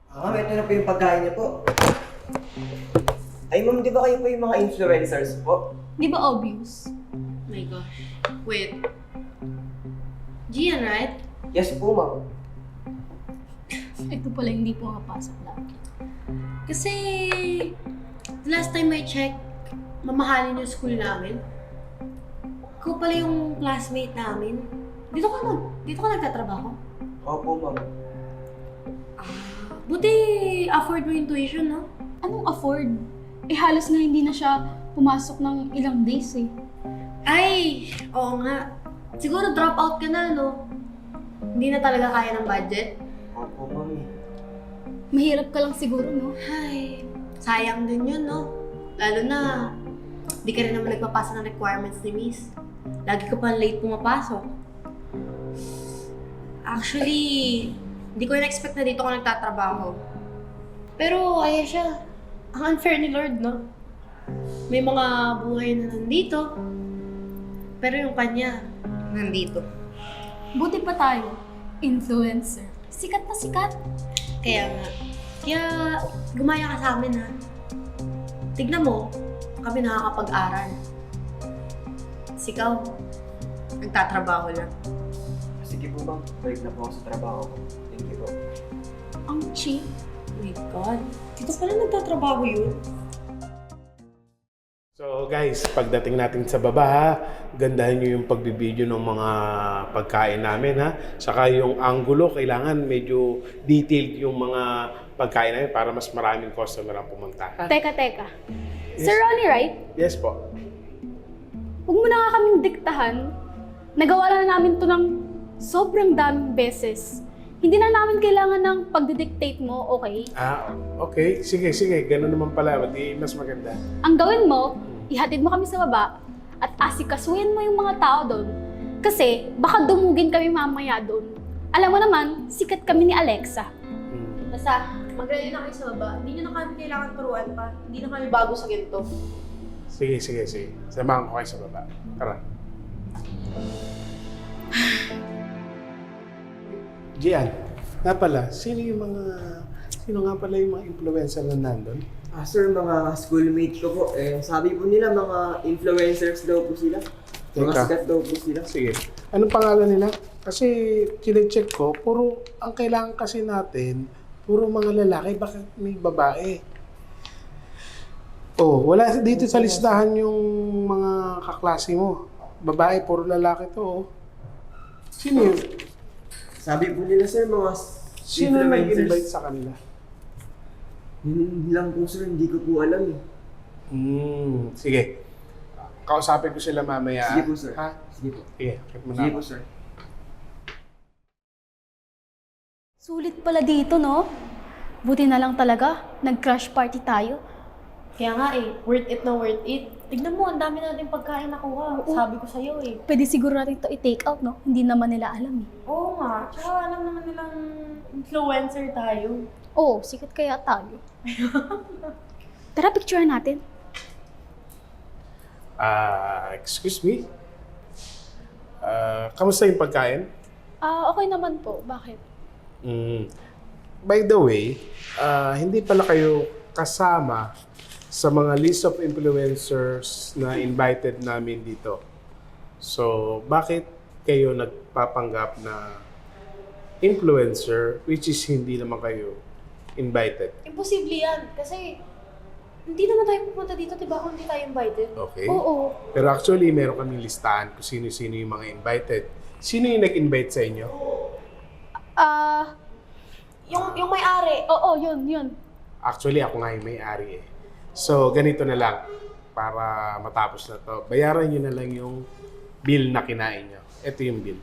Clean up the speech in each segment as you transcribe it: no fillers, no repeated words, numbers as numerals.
Ito na po yung pagkain niyo po. Ay, ma'am, di ba kayo po yung mga influencers po? Di ba obvious? My gosh. Wait. Gian, right? Yes po, ma'am. Ito pala hindi pumapasok lagi. Kasi last time I checked, mamahalin yung school namin. Ikaw pala yung classmate namin. Dito ka nagtatrabaho? Opo, ma'am. Buti afford mo yung tuition, no? Anong afford? Eh halos nga hindi na siya pumasok ng ilang days eh. Ay, oo nga. Siguro drop out ka na, no? Hindi na talaga kaya ng budget. Opo, ma'am. Mahirap ka lang siguro, no? Ay, sayang din yun, no? Lalo na, di ka rin naman nagpapasa ng requirements ni Miss. Lagi ka pa late pumapasok. Actually, hindi ko in-expect na dito ka nagtatrabaho. Pero, ayan siya. Ang unfair ni Lord, no? May mga buhay na nandito, pero yung kanya, nandito. Buti pa tayo. Influencer. Sikat na sikat. Kaya nga. Kaya, gumaya ka sa amin, ha? Tignan mo, kami nakakapag-aral. Sikaw, nagtatrabaho lang. Sige po, ma'am. Balik na po ako sa trabaho ko. Thank you po. Ang cheap. Oh my God. Dito pala nagtatrabaho yun. So guys, pagdating natin sa baba ha, gandahan nyo yung pagbibideo ng mga pagkain namin ha. Saka yung angulo, kailangan medyo detailed yung mga pagkain namin para mas maraming customer ang pumunta. Ha? Teka. Sir Ronnie, right? Yes po. Huwag mo na nga kaming diktahan. Nagawa na namin to ng sobrang daming beses. Hindi na namin kailangan ng pagdidictate mo, okay? Okay. Sige. Ganun naman pala. Di mas maganda. Ang gawin mo, ihatid mo kami sa baba at asikasuhin mo yung mga tao doon. Kasi baka dumugin kami mamaya doon. Alam mo naman, sikat kami ni Alexa. Basta, mag-ready na kayo sa baba. Hindi nyo na kami kailangan turuan pa. Hindi na kami bago sa ganito. Sige. Samahan ko kayo sa baba. Tara. Gian, nga pala, sino nga pala yung mga influencer na nandun? Sir, mga schoolmate ko po. Sabi po nila mga influencers daw po sila. Mga Teka. sikat daw po sila. Sige. Anong pangalan nila? Kasi kine-check ko, ang kailangan kasi natin, puro mga lalaki, bakit may babae? Oh, wala dito sa listahan yung mga kaklase mo. Babae, puro lalaki to. Oh. Sino yun? Sabi po nila, sir, mga Sino nag-invite sa kanila? Yun lang po, sir. Hindi ko po alam eh. Sige. Kausapin ko sila mamaya. Sige po, sir. Ha? Sige po. Sige, keep mo na Sige ako. po, sir. Sulit pala dito, no? Buti na lang talaga, nag-crash party tayo. Kaya nga worth it na worth it. Tignan mo, ang dami natin pagkain nakuha. Oo. Sabi ko sa'yo Pwede siguro natin to i-take out, no? Hindi naman nila alam eh. Oo nga. Tsaka alam naman nilang influencer tayo. Oo, sikat kaya tayo. Tara, picture natin. Excuse me? Kamusta yung pagkain? Okay naman po. Bakit? By the way, hindi pala kayo kasama sa mga list of influencers na invited namin dito. So, bakit kayo nagpapanggap na influencer which is hindi naman kayo invited? Imposible yan. Kasi hindi naman tayo pupunta dito, diba? Kung hindi tayo invited. Okay? Oo. Pero actually, meron kaming listahan kung sino-sino yung mga invited. Sino yung nag-invite sa inyo? Yung may-ari. Oo, yun. Actually, ako nga yung may-ari eh. So, ganito na lang. Para matapos na to. Bayaran nyo na lang yung bill na kinain nyo. Ito yung bill.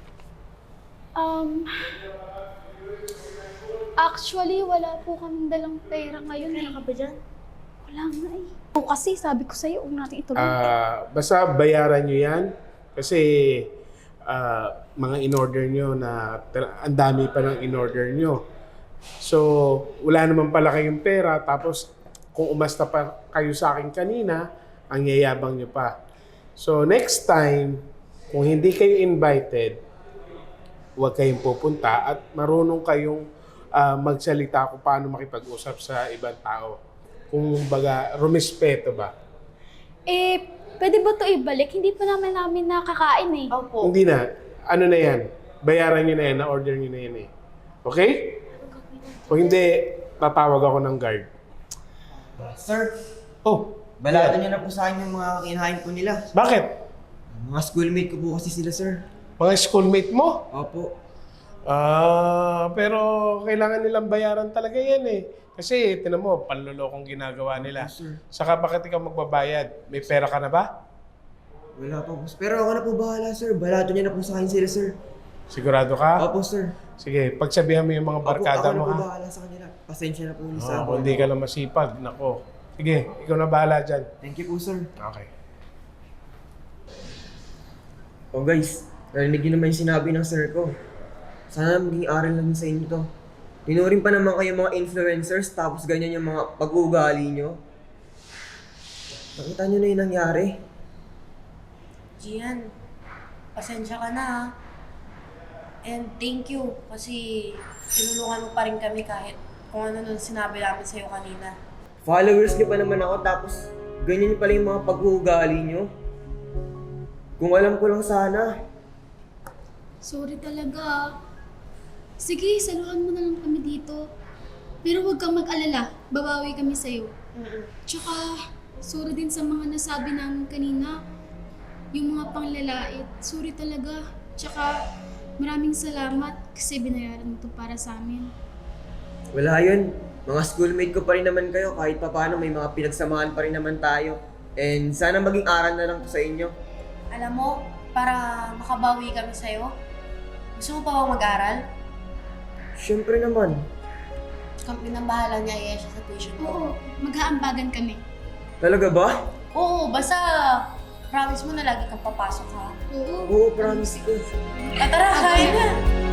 Actually, wala po kaming dalang pera ngayon eh. Meron ka ba dyan? Wala nga eh. O kasi, sabi ko sa'yo, huwag natin ituloy. Basta bayaran nyo yan. Kasi mga in-order nyo na ang dami pa ng in-order nyo. So, wala naman pala kayong pera. Tapos, kung umasta pa kayo sa akin kanina, ang yayabang nyo pa. So, next time, kung hindi kayo invited, huwag kayong pupunta at marunong kayong magsalita kung paano makipag-usap sa ibang tao. Kung baga, rumispeto ba? Pwede ba to ibalik? Hindi pa namin nakakain eh. Opo. Hindi na. Ano na yan? Bayaran nyo na yan, na-order nyo na yan eh. Okay? Kung hindi, tatawag ako ng guard. Sir, Oh, balado niyo na po sa akin yung mga kinahain po nila. bakit? Mga schoolmate ko po kasi sila, sir. Mga schoolmate mo? Opo. Pero kailangan nilang bayaran talaga yan eh. Kasi, tinan mo, panlolokong ginagawa nila. Sir. Saka bakit ikaw magbabayad? May pera ka na ba? Wala pa po. Pero ako na po bahala, sir. Balado niyo na po sa akin sila, sir. Sigurado ka? Opo, sir. Sige, pagsabihan mo yung mga Opo, barkada ako na mo po ha. bahala sa kanila. Pasensya na po ulit sa Kung hindi ka lang masipag, nako. Sige, ikaw na bahala dyan. Thank you po, sir. Okay. Oh guys, narinig niyo naman yung sinabi ng sir ko. Sana maging aral lang sa inyo to. Tinuring pa naman kayo mga influencers tapos ganyan yung mga pag-uugali nyo. Nakita nyo na yung nangyari. Gian, pasensya ka na ha. And thank you kasi tinulungan mo pa rin kami kahit kung ano nung sinabi namin sa'yo kanina. Followers nyo pa naman ako tapos ganyan yung pala yung mga pag-uugali nyo. Kung alam ko lang sana. Sorry talaga. Sige, saluhan mo na lang kami dito. Pero huwag kang mag-alala, babawi kami sa'yo. Tsaka, sorry din sa mga nasabi namin kanina. Yung mga panglalait, sorry talaga. Tsaka, maraming salamat kasi binayaran mo to para sa amin. Wala yun. Mga schoolmate ko pa rin naman kayo kahit papaano may mga pinagsamahan pa rin naman tayo. And sana maging aral na lang to sa inyo. Alam mo, para makabawi kami sa'yo, gusto mo pa bang mag-aral? Siyempre naman. Kami nang bahala niya, iya siya sa tuition ko. Oo, maghaambagan kami. Talaga ba? Oo, basta promise mo na lagi kang papasok ha. Oo. Oo, promise ko. Tara, kain na!